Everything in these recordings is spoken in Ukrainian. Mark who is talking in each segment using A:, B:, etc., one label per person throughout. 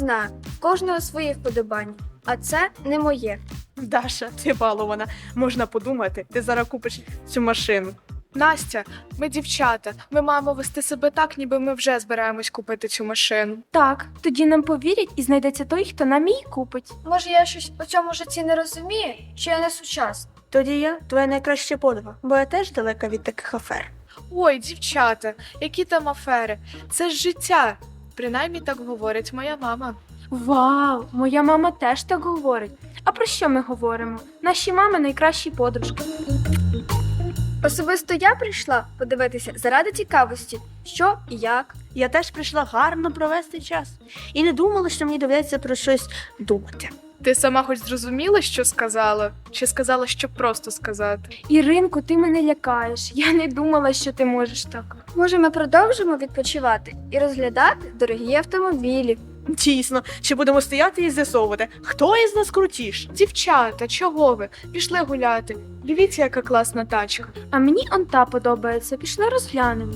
A: знаю, в кожного свої вподобання, а це не моє.
B: Даша, ти балована. Можна подумати, ти зараз купиш цю машину. Настя, ми дівчата. Ми маємо вести себе так, ніби ми вже збираємось купити цю машину.
C: Так, тоді нам повірять і знайдеться той, хто нам її купить.
A: Може, я щось у цьому житті не розумію, чи я не сучасна?
D: Тоді я твоя найкраща подруга, бо я теж далека від таких афер.
B: Ой, дівчата, які там афери? Це ж життя. Принаймні так говорить моя мама.
C: Вау, моя мама теж так говорить. А про що ми говоримо? Наші мами найкращі подружки.
A: Особисто я прийшла подивитися заради цікавості, що і як.
D: Я теж прийшла гарно провести час. І не думала, що мені доведеться про щось думати.
B: Ти сама хоч зрозуміла, що сказала? Чи сказала, що просто сказати?
C: Іринку, ти мене лякаєш. Я не думала, що ти можеш так.
A: Може, ми продовжимо відпочивати і розглядати дорогі автомобілі.
D: Дійсно, ще будемо стояти і з'ясовувати, хто із нас крутіш.
B: Дівчата, чого ви? Пішли гуляти. Дивіться, яка класна тачка.
C: А мені он та подобається. Пішли розглянемо.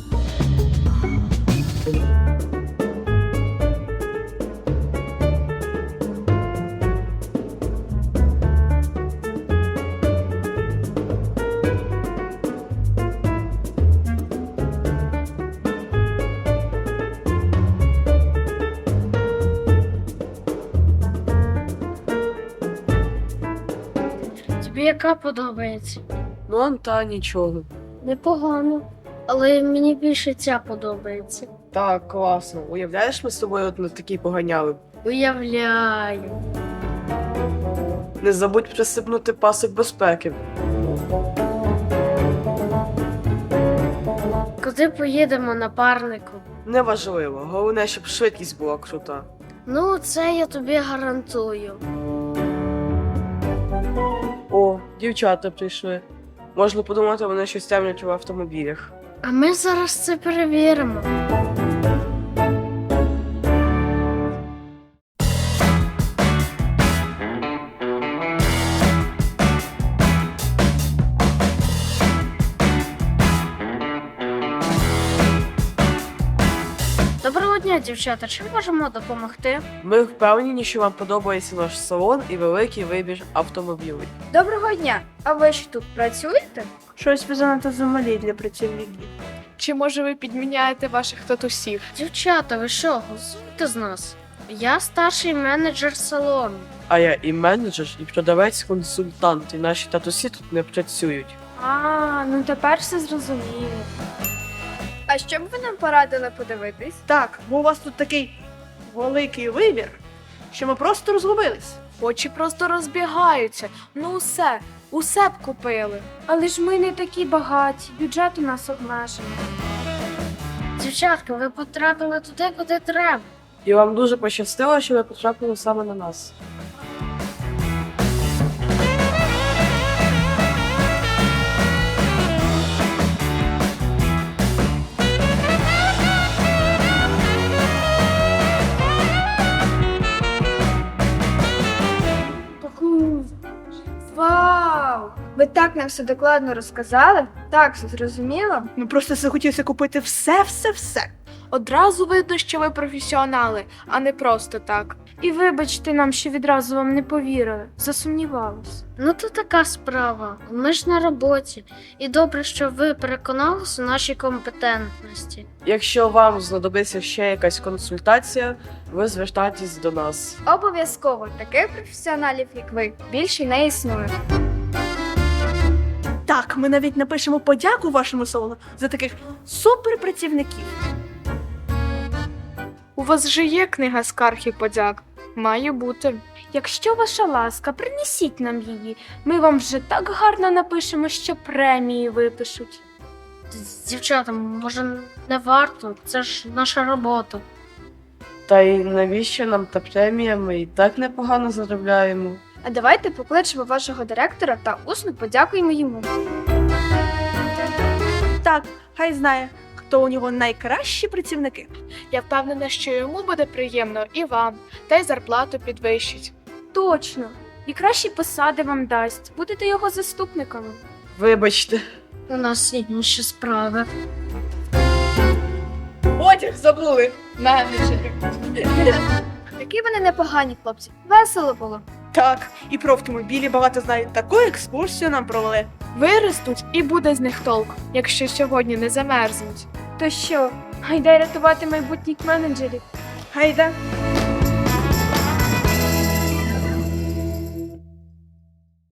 E: Тобі яка подобається?
F: Ну, он та нічого.
E: Непогано. Але мені більше ця подобається.
F: Так, класно. Уявляєш, ми з тобою от на такій поганяли.
E: Уявляю.
F: Не забудь присипнути пасик безпеки.
E: Куди поїдемо, напарнику?
F: Неважливо, головне, щоб швидкість була крута.
E: Ну, це я тобі гарантую.
F: О, дівчата прийшли. Можна подумати, вони щось темнять в автомобілях.
E: А ми зараз це перевіримо. Доброго дня, дівчата. Чим можемо допомогти?
F: Ми впевнені, що вам подобається наш салон і великий вибір автомобілів.
A: Доброго дня! А ви ж тут працюєте?
D: Щось ви занадто замалі для працівників.
B: Чи може ви підміняєте ваших татусів?
E: Дівчата, ви що, голосуєте з нас? Я старший менеджер салону.
F: А я і менеджер, і продавець-консультант, і наші татусі тут не працюють.
C: А, ну тепер все зрозуміло.
A: А що б ви нам порадили подивитись?
D: Так, бо у вас тут такий великий вибір, що ми просто розгубились.
B: Очі просто розбігаються. Ну усе б купили.
C: Але ж ми не такі багаті, бюджет у нас обмежений.
E: Дівчатка, ви потрапили туди, куди треба.
F: І вам дуже пощастило, що ви потрапили саме на нас.
A: Вау! Ви так нам все докладно розказали, так все зрозуміло.
D: Ми просто захотілося купити все.
B: Одразу видно, що ви професіонали, а не просто так.
C: І вибачте нам, що відразу вам не повірили. Засумнівалась.
E: Ну то така справа. Ми ж на роботі. І добре, що ви переконалися у нашій компетентності.
F: Якщо вам знадобиться ще якась консультація, ви звертайтесь до нас.
A: Обов'язково таких професіоналів, як ви, більше не існує.
D: Так, ми навіть напишемо подяку вашому салону за таких суперпрацівників.
B: У вас же є книга скарг і подяк. Має бути.
C: Якщо ваша ласка, принесіть нам її. Ми вам вже так гарно напишемо, що премії випишуть.
E: Дівчата, може не варто? Це ж наша робота.
F: Та й навіщо нам та премія? Ми і так непогано заробляємо.
A: А давайте покличемо вашого директора та усно подякуємо йому.
D: Так, хай знає, хто у нього найкращі працівники.
B: Я впевнена, що йому буде приємно і вам, та й зарплату підвищить.
C: Точно. І кращі посади вам дасть. Будете його заступниками.
F: Вибачте.
E: У нас є інші справи.
F: Одяг забули!
B: Менеджери.
A: Які вони непогані хлопці. Весело було.
B: Так, і про автомобілі багато знають. Таку екскурсію нам провели. Виростуть і буде з них толк, якщо сьогодні не замерзнуть.
C: То що, гайдай рятувати майбутніх менеджерів?
B: Гайда.